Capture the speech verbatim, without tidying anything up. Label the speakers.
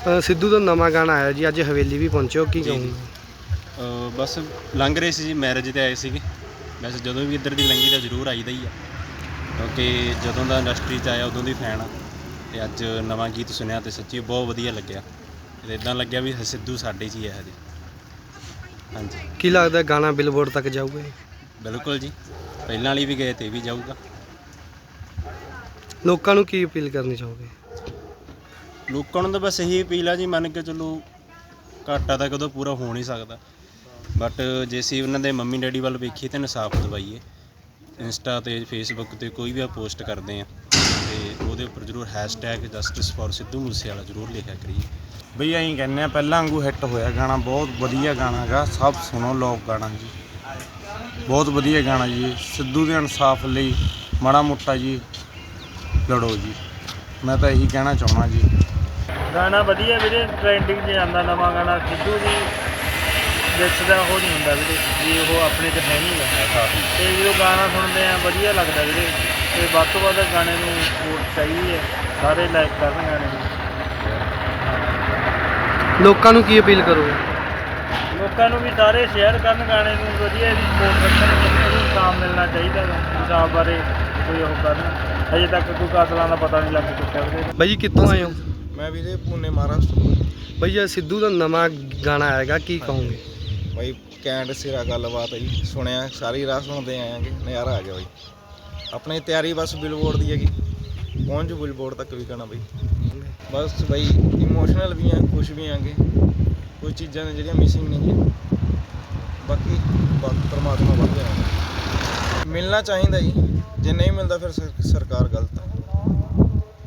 Speaker 1: ਸਿੱਧੂ ਦਾ ਨਵਾਂ ਗਾਣਾ ਆਇਆ ਜੀ, ਅੱਜ ਹਵੇਲੀ ਵੀ ਪਹੁੰਚੇ ਹੋ, ਕੀ ਕਹੋਗੇ?
Speaker 2: ਬਸ ਲੰਘ ਰਹੇ ਸੀ ਜੀ, ਮੈਰਿਜ 'ਤੇ ਆਏ ਸੀਗੇ। ਵੈਸੇ ਜਦੋਂ ਵੀ ਇੱਧਰ ਦੀ ਲੰਘੀ ਤਾਂ ਜ਼ਰੂਰ ਆਈਦਾ ਹੀ ਆ, ਕਿਉਂਕਿ ਜਦੋਂ ਦਾ ਇੰਡਸਟਰੀ 'ਚ ਆਇਆ ਉਦੋਂ ਦੀ ਫੈਨ ਆ। ਅਤੇ ਅੱਜ ਨਵਾਂ ਗੀਤ ਸੁਣਿਆ ਅਤੇ ਸੱਚੀ ਬਹੁਤ ਵਧੀਆ ਲੱਗਿਆ। ਅਤੇ ਇੱਦਾਂ ਲੱਗਿਆ ਵੀ ਸਿੱਧੂ ਸਾਡੇ 'ਚ ਹੀ ਹੈ ਹਜੇ। ਹਾਂਜੀ,
Speaker 1: ਕੀ ਲੱਗਦਾ ਗਾਣਾ ਬਿਲਬੋਰਡ ਤੱਕ ਜਾਊਗਾ?
Speaker 2: ਬਿਲਕੁਲ ਜੀ, ਪਹਿਲਾਂ ਵਾਲੀ ਵੀ ਗਏ ਤੇ ਵੀ ਜਾਊਗਾ।
Speaker 1: ਲੋਕਾਂ ਨੂੰ ਕੀ ਅਪੀਲ ਕਰਨੀ ਚਾਹੋਗੇ?
Speaker 2: ਲੋਕਾਂ ਨੂੰ ਤਾਂ ਬਸ ਇਹੀ ਅਪੀਲ ਆ ਜੀ, ਮੰਨ ਕੇ ਚਲੋ ਘਾਟਾ ਤਾਂ ਕਦੋਂ ਪੂਰਾ ਹੋ ਨਹੀਂ ਸਕਦਾ, ਬਟ ਜੇ ਅਸੀਂ ਉਹਨਾਂ ਦੇ ਮੰਮੀ ਡੈਡੀ ਵੱਲ ਵੇਖੀਏ ਤਾਂ ਇਨਸਾਫ ਦਿਵਾਈਏ। ਇੰਸਟਾ 'ਤੇ ਫੇਸਬੁੱਕ 'ਤੇ ਕੋਈ ਵੀ ਆ ਪੋਸਟ ਕਰਦੇ ਹਾਂ ਅਤੇ ਉਹਦੇ ਉੱਪਰ ਜ਼ਰੂਰ hashtag justice for Sidhu Moosewala ਜ਼ਰੂਰ ਲਿਖਿਆ ਕਰੀਏ।
Speaker 3: ਬਈ ਅਸੀਂ ਕਹਿੰਦੇ ਹਾਂ ਪਹਿਲਾਂ ਵਾਂਗੂ ਹਿੱਟ ਹੋਇਆ ਗਾਣਾ, ਬਹੁਤ ਵਧੀਆ ਗਾਣਾ ਹੈਗਾ, ਸਭ ਸੁਣੋ ਲੋਕ ਗਾਣਾ ਜੀ, ਬਹੁਤ ਵਧੀਆ ਗਾਣਾ ਜੀ। ਸਿੱਧੂ ਦੇ ਇਨਸਾਫ ਲਈ ਮਾੜਾ ਮੋਟਾ ਜੀ ਲੜੋ ਜੀ, ਮੈਂ ਤਾਂ ਇਹੀ ਕਹਿਣਾ ਚਾਹੁੰਦਾ ਜੀ।
Speaker 4: ਗਾਣਾ ਵਧੀਆ ਵੀਰੇ, ਟਰੈਂਡਿੰਗ 'ਚ ਜਾਂਦਾ ਨਵਾਂ ਗਾਣਾ। ਸਿੱਧੂ ਦੀ ਵਿੱਚ ਦਾ ਉਹ ਨਹੀਂ ਹੁੰਦਾ ਵੀਰੇ ਜੀ, ਉਹ ਆਪਣੇ 'ਚ ਹੈ ਨਹੀਂ ਗਾ। ਅਤੇ ਜਦੋਂ ਗਾਣਾ ਸੁਣਦੇ ਆ ਵਧੀਆ ਲੱਗਦਾ ਵੀਰੇ, ਅਤੇ ਵੱਧ ਤੋਂ ਵੱਧ ਗਾਣੇ ਨੂੰ ਸਪੋਰਟ ਚਾਹੀਦੀ ਹੈ, ਸਾਰੇ ਲਾਈਕ ਕਰਨ ਗਾਣੇ ਨੂੰ।
Speaker 1: ਲੋਕਾਂ ਨੂੰ ਕੀ ਅਪੀਲ ਕਰੋਗੇ?
Speaker 4: ਲੋਕਾਂ ਨੂੰ ਵੀ ਸਾਰੇ ਸ਼ੇਅਰ ਕਰਨ ਗਾਣੇ ਨੂੰ, ਵਧੀਆ ਇਹਦੀ ਸਪੋਰਟ ਰੱਖਣ, ਜਿੰਨੇ ਨੂੰ ਇਨਸਾਫ ਮਿਲਣਾ ਚਾਹੀਦਾ ਗਾ, ਇਨਸਾਫ ਬਾਰੇ ਕੋਈ ਉਹ ਕਰਨ। ਅਜੇ ਤੱਕ ਕੋਈ ਕਾਤਲਾਂ ਦਾ ਪਤਾ ਨਹੀਂ ਲੱਗ ਚੁੱਕਿਆ ਵੀਰੇ।
Speaker 1: ਬਾਈ ਜੀ ਕਿੱਥੋਂ ਆਏ ਹੋ?
Speaker 5: ਮੈਂ ਵੀਰੇ ਪੁਣੇ ਮਹਾਰਾਸ਼ਟਰ।
Speaker 1: ਬਾਈ ਇਹ ਸਿੱਧੂ ਦਾ ਨਵਾਂ ਗਾਣਾ ਆਏਗਾ, ਕੀ ਕਹੋਗੇ?
Speaker 5: ਬਾਈ ਕੈਂਟ ਸਿਰਾ ਗੱਲਬਾਤ ਹੈ ਜੀ, ਸੁਣਿਆ ਸਾਰੀ ਰਾਤ ਸੁਣਦੇ ਆਏਗੇ, ਨਜ਼ਾਰਾ ਆ ਗਿਆ ਬਾਈ। ਆਪਣੀ ਤਿਆਰੀ ਬਸ ਬਿਲਬੋਰਡ ਦੀ ਹੈਗੀ, ਪਹੁੰਚ ਬਿਲਬੋਰਡ ਤੱਕ ਵੀ ਕਰਨਾ ਬਾਈ। ਬਸ ਬਾਈ ਇਮੋਸ਼ਨਲ ਵੀ ਆ, ਖੁਸ਼ ਵੀ ਆਂਗੇ, ਕੋਈ ਚੀਜ਼ਾਂ ਨੇ ਜਿਹੜੀਆਂ ਮਿਸਿੰਗ ਨਹੀਂ ਗੀਆਂ, ਬਾਕੀ ਪਰਮਾਤਮਾ ਵੱਧ ਜਾਣਾ। ਮਿਲਣਾ ਚਾਹੀਦਾ ਜੀ, ਜੇ ਨਹੀਂ ਮਿਲਦਾ ਫਿਰ ਸਰਕਾਰ ਗਲਤ ਆ।